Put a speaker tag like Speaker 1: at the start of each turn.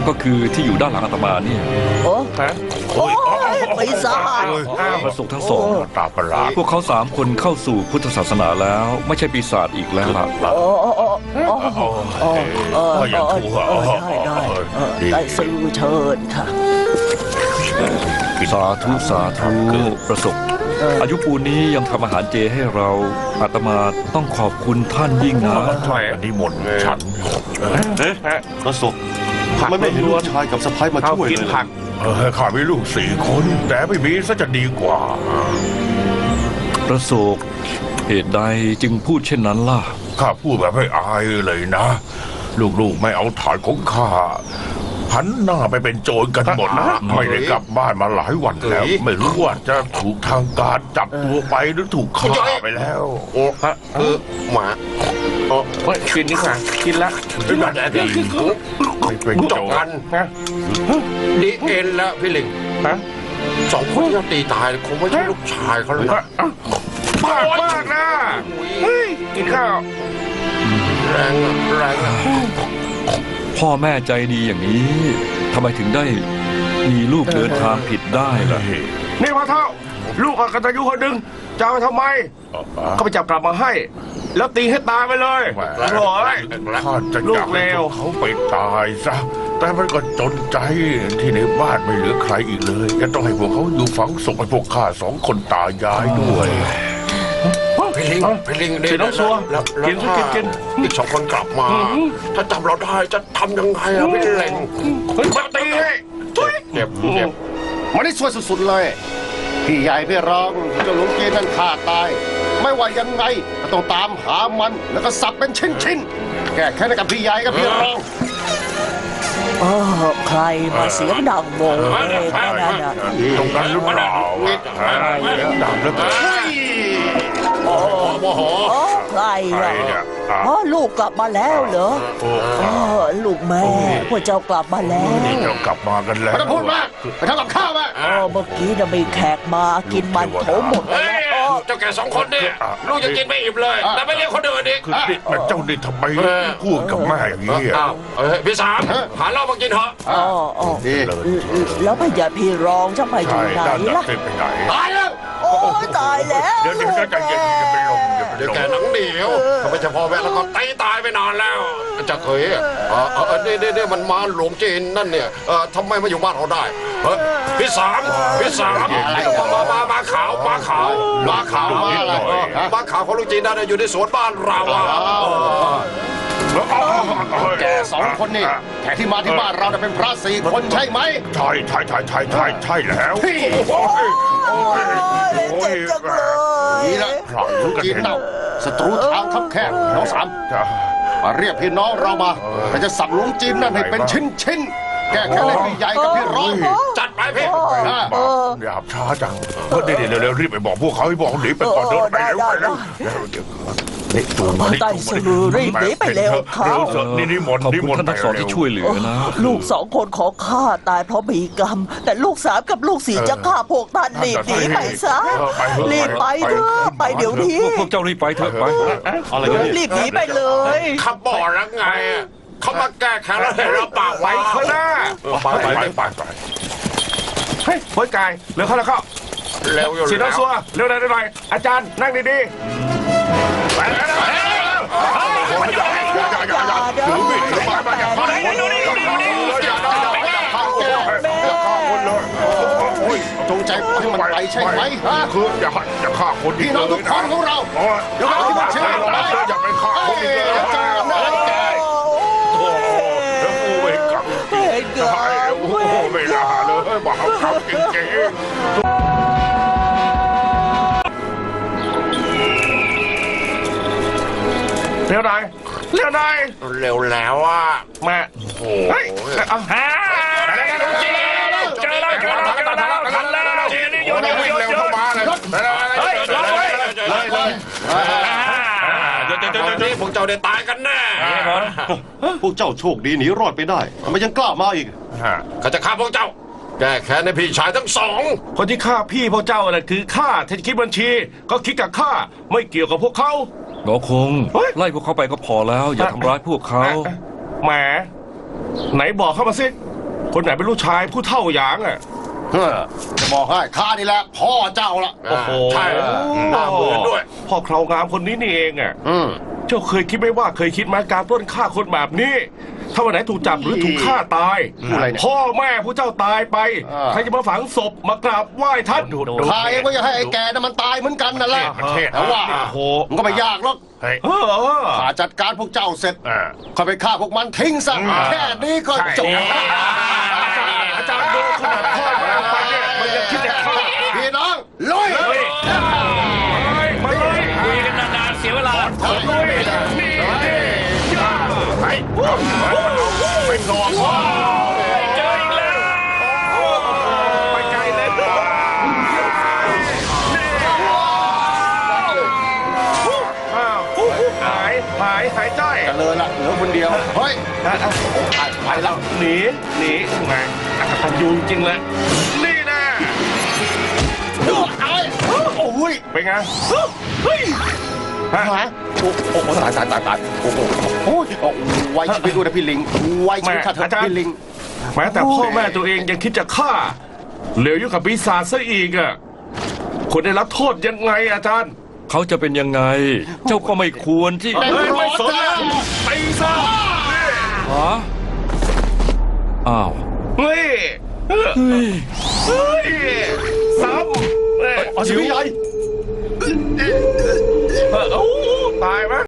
Speaker 1: ก็คือที่อยู่ด้านหลังอาตมาเนี่ย
Speaker 2: โอ้
Speaker 3: ฮะ
Speaker 2: โอ้ยปีศาจ
Speaker 1: ประสบทั้งสอง
Speaker 3: ตาประหลาด
Speaker 1: พวกเขา3 คนเข้าสู่พุทธศาสนาแล้ว ไม่ใช่ปีศาจอีกแล้วล่ะ
Speaker 2: โอ้โอ้โอ้โอ้โอ้
Speaker 3: อย่างถูก
Speaker 2: ได้ซื้อเชิญค่ะ
Speaker 1: สาธุสาธุประสบอายุปูนนี้ยังทำอาหารเจให้เราอาตมาต้องขอบคุณท่านยิ่งนะ
Speaker 3: ใช่อันนี้หมดฉัน
Speaker 4: ประสบมันไม่เห็นลูกชายกับสะพ้ายมาช่วยเลย
Speaker 3: ข้ามีลูก4 คน แต่ไม่มีซะจะดีกว่า
Speaker 1: ประสบเหตุใดจึงพูดเช่นนั้นล่ะ
Speaker 3: ข้าพูดแบบไม่อายเลยนะ ลูกๆไม่เอาฐานของข้าหันหน้าไปเป็นโจรกันหมดนะไม่ได้กลับบ้านมาหลายวันแล้ว ไม่รู้ว่าจะถูกทางการจับตัวไปหรือถูกฆ่าไปแล้ว
Speaker 5: โอ้ฮะหมาโอ้
Speaker 3: เฮ้ยกินนี่ค่ะกินละ
Speaker 5: ที่มันแต่ที่
Speaker 3: ไม่เป็น
Speaker 5: จ
Speaker 3: โจ
Speaker 5: บ
Speaker 3: ร
Speaker 5: กัน
Speaker 3: นะ
Speaker 5: ดีเอ็นแล้วพี่ลิง
Speaker 3: ฮะ
Speaker 5: 2 คนที่เขาตีตายคงไม่ใช่ลูกชายเขาเลยนะ
Speaker 3: มากนะเฮ้ยกินข้าว
Speaker 5: แรงอะแรงอะ
Speaker 1: พ่อแม่ใจดีอย่างนี้ทำไมถึงได้มีลูกเดินทางผิดได้ล่ะ
Speaker 6: นี่พ่อเท่า ลูกกตัญญูคนหนึ่งจะเอาไปทำไม ก็ไปจับกลับมาให้ แล้วตีให้ตายไปเลยโถ่เอ้ย
Speaker 3: ข้าจะ
Speaker 6: ลู
Speaker 3: อยาก
Speaker 6: กเล
Speaker 3: ให้
Speaker 6: ว
Speaker 3: เขาไปตายซะ แต่มันก็จนใจที่ในบ้านไม่เหลือใครอีกเลยจะต้องให้พวกเขาอยู่ฝังศพให้พวกข้า2 คนตายายด้วย
Speaker 5: พี่ลิง
Speaker 6: เสียน้องซัว
Speaker 5: แล้ว
Speaker 6: กิน
Speaker 5: ถ้า
Speaker 6: กิน
Speaker 5: อีก2 คนกลับมา ถ้าจับเราได้จะทำยังไงอะพี่เล็ง
Speaker 6: มาตีให้
Speaker 5: เจ็บ
Speaker 4: มันได้ช่วยสุดๆเลย พี่ใหญ่พี่รองเจ้าหลวงเกนั่นฆ่าตาย ไม่ว่ายังไงก็ต้องตามหามันแล้วก็สับเป็นชิ้นๆแก้แค้นให้กับพี่ใหญ่กับพี่รอง
Speaker 2: ใครมาเสียงดังโวเลยแค่นั้นน่ะ
Speaker 3: ตรงนั้นหรือเปล่าเสียงดังเหลือเกิน
Speaker 5: โมโห
Speaker 2: ใคร
Speaker 3: ใคร
Speaker 2: อ่ะ
Speaker 3: เนี่ย
Speaker 2: ลูกกลับมาแล้วเหรอลูกแม่พวกเจ้ากลับมาแล้ว
Speaker 3: นี่เรากลับมากันแล้ว
Speaker 4: ไม่ต้องพูดมากไปทำกับข้าวมา
Speaker 2: เมื่อกี้น่ะมีแขกมากินมันโถหมดเล
Speaker 5: เฮ้
Speaker 2: ย
Speaker 5: ย
Speaker 2: แล้ว
Speaker 5: เจ้าแก่2 คนเนี่ยลูกจะกินไม่อิ่มเลย แต่ไม่เลี้ยงคนอื่นอีก
Speaker 3: คือนี่เจ้านี่ทำไมพูดกับแม่อย่างนี้
Speaker 5: อ้าวพี่สามหาเหล้ามากินเถอะ
Speaker 4: ดี
Speaker 2: แล้วพญาพี่รองจะไปอ
Speaker 3: ใช่
Speaker 2: ยู่ไหน
Speaker 3: ด้านหลั
Speaker 2: ล่ะ
Speaker 3: งไปไหน
Speaker 5: ตายแล้ว
Speaker 2: โอ้ยตายแล้ว
Speaker 3: เดี๋ยวใจเย็นจะเป็นลม
Speaker 5: เดี๋ยวแกหนังเหนียวทำไมเฉพาะแม่แล้วก็ตีตายไปนานแล้วจะเคยนี่มันมาหลวงจีนนั่นเนี่ยทำไมมาอยู่บ้านเราได้พี่สามมาขาวมาขาวของลูกจีนนั่นอยู่ในสวนบ้านเราอ่ะ
Speaker 4: แก2 คนนี่แขกที่มาที่บ้านเราน่ะเป็นพระ4 คนใช่ไหม
Speaker 3: ใช่แล้ว
Speaker 2: โอ้ยเจ็บจังเลย
Speaker 4: นี่แหละพระหลวงจีนเน่าศัตรูทางคับแคบน้องสามมาเรียกพี่น้องเรามาแต่จะสับหลวงจีนนั่นให้เป็นชิ้นๆแก้แค้นให้พี่ใหญ่กับพี่ร้อง
Speaker 5: จัดไปพี่
Speaker 3: หยาบช้าจังเดี๋ยวเร็วรีบไปบอกพวกเขาให้บอกหนีไปก่อนเดินไปเร็วนี่จูงมานี่
Speaker 2: ไต่สลือรีบหนีไปเร็วเขา
Speaker 3: นี่มน
Speaker 1: ขอบคุณท่านทั้งสองที่ช่วยเหลือนะ
Speaker 2: ลูก2 คนขอฆ่าตายเพราะมีกรรม แต่ลูก3กับลูก4จะฆ่าพวกท่านรีบหนีไปซะรีบไปเถอะไปเดี๋ยวนี้
Speaker 1: พวกเจ้ารีบไปเถอะไป
Speaker 4: อะไรกันเนี่ย
Speaker 2: รีบหนีไปเลย
Speaker 5: ขับบ่อแล้วไงเขามาแก้แค้นแล้วเห็นเราปาก
Speaker 6: ไปข้างหน้า
Speaker 3: ไป
Speaker 6: เฮ้ยโอยกายเร็วเข้าแล้วเข้า
Speaker 5: เร็วอยู่
Speaker 6: เสียน้องซัวเร็วหน่อยอาจารย์นั่งดีๆไปแล้ว
Speaker 3: ถือมีดถือไม้มาอย่าฆ่าคนเลยอย่าฆ่าคนเลย
Speaker 4: จงใจให้มันไปใช่ไหมฮะ
Speaker 3: คืออย่าฆ่าคน
Speaker 4: พี่น้องทุกคนของเรา
Speaker 3: อย่าไปฆ่าคนอีกเลยแล้วกูไม่กลับไม่น่าเลยบอกเขาขับจริง
Speaker 6: เร็วหน่อย
Speaker 5: เร็วแล้วอ่ะ
Speaker 6: มา
Speaker 5: โอ้
Speaker 6: เฮ้ยเอาฮะเจอแล้วทันแล้วนี่โยน
Speaker 3: วิ่งเร็วเข้ามาเลย
Speaker 6: เฮ้ยรอไว้
Speaker 5: นี่พวกเจ้าได้ตายกันแน่
Speaker 4: พวกเจ้าโชคดีหนีรอดไปได้ทำไมยังกล้ามาอีก
Speaker 5: เขาจะฆ่าพวกเจ้าแก้แค้นในพี่ชายทั้ง2
Speaker 6: คนที่ฆ่าพี่พวกเจ้าน่ะคือข้าถ้าจะคิดบัญชี ก็คิดกับข้าไม่เกี่ยวกับพวกเขา
Speaker 1: หงอคงไล่พวกเขาไปก็พอแล้ว อย่าทำร้ายพวกเขา
Speaker 6: แหมไหนบอกเข้ามาสิคนไหนเป็นลูกชายผู้เท่าหยางอ่ะ
Speaker 4: จะบอกให้ข้านี่แหละพ่อเจ้าละ
Speaker 6: โอ้โห
Speaker 5: ใช่หน้าเหมือนด้วย
Speaker 6: พ่อเครางามคนนี้นี่เองอ่ะ เจ้าเคยคิดไหมว่าเคยคิดไหมการปล้นฆ่าคนแบบนี้ ถ้าวันไหนถูกจับหรือถูกฆ่าตาย
Speaker 4: อะไรเนี่ย
Speaker 6: พ่อแม่ผู้เจ้าตายไป
Speaker 4: อ่า
Speaker 6: ใครจะมาฝังศพมากราบไหว้ท่าน
Speaker 4: ข้าเองก็อยากให้ไอ้แกนั่นมันตายเหมือนกันนั่นแหละ
Speaker 5: ประเทศ
Speaker 4: แต่ว่า
Speaker 6: โอ้โห
Speaker 4: มันก็ไม่ยากหรอก
Speaker 5: เฮ้ย
Speaker 6: เออ
Speaker 4: ข้าจัดการพวกเจ้าเสร็จ
Speaker 5: อ่า
Speaker 4: ค่อยไปฆ่าพวกมันทิ้งซะแค่นี้ก็จบ
Speaker 6: อาจารย์ดูขนาดพ่อแม่ไปเนี่ยมันยังคิดจะฆ่า
Speaker 4: พี่น้องลุย
Speaker 6: มาเลย
Speaker 1: คุยกันนานๆเสียเวลา
Speaker 6: ลุยนี่ย่า
Speaker 5: ไปไปนอน
Speaker 1: เจออีกแล้ว
Speaker 6: ไปไกลเลยอ้าวหายใจ
Speaker 4: กันเลยล่ะเหลือคนเดียวเฮ้ยไปแล้ว
Speaker 6: หนีไงอักตันยูจริงๆเลยนี่นะ
Speaker 4: โอ้ย
Speaker 6: เป็นไงเฮ้ยฮะ
Speaker 4: หาโอ้โหตายโอ้โหโอ้ยไว้ชีวิตด้วยนะพี่ลิงไว้ชีวิตข้าเถอะพี่ลิง
Speaker 6: แม้แต่พ่อแม่ตัวเองยังคิดจะฆ่าเหลวอยู่กับปีศาจซะอีกอ่ะคนได้รับโทษยังไงอาจารย์
Speaker 1: เขาจะเป็นยังไง เจ้าก็ไม่ควรที่
Speaker 4: เป็น
Speaker 6: เฮ้ยไม่สน
Speaker 4: ร้อน
Speaker 6: แล้ว
Speaker 4: จ้า
Speaker 6: ปีศาจ
Speaker 1: ฮะอ้าว
Speaker 6: เฮ้ย
Speaker 1: เฮ้ย
Speaker 6: เฮ้ยซ้ำ
Speaker 4: อ๋อชีวิตใหญ่
Speaker 6: ตายไหม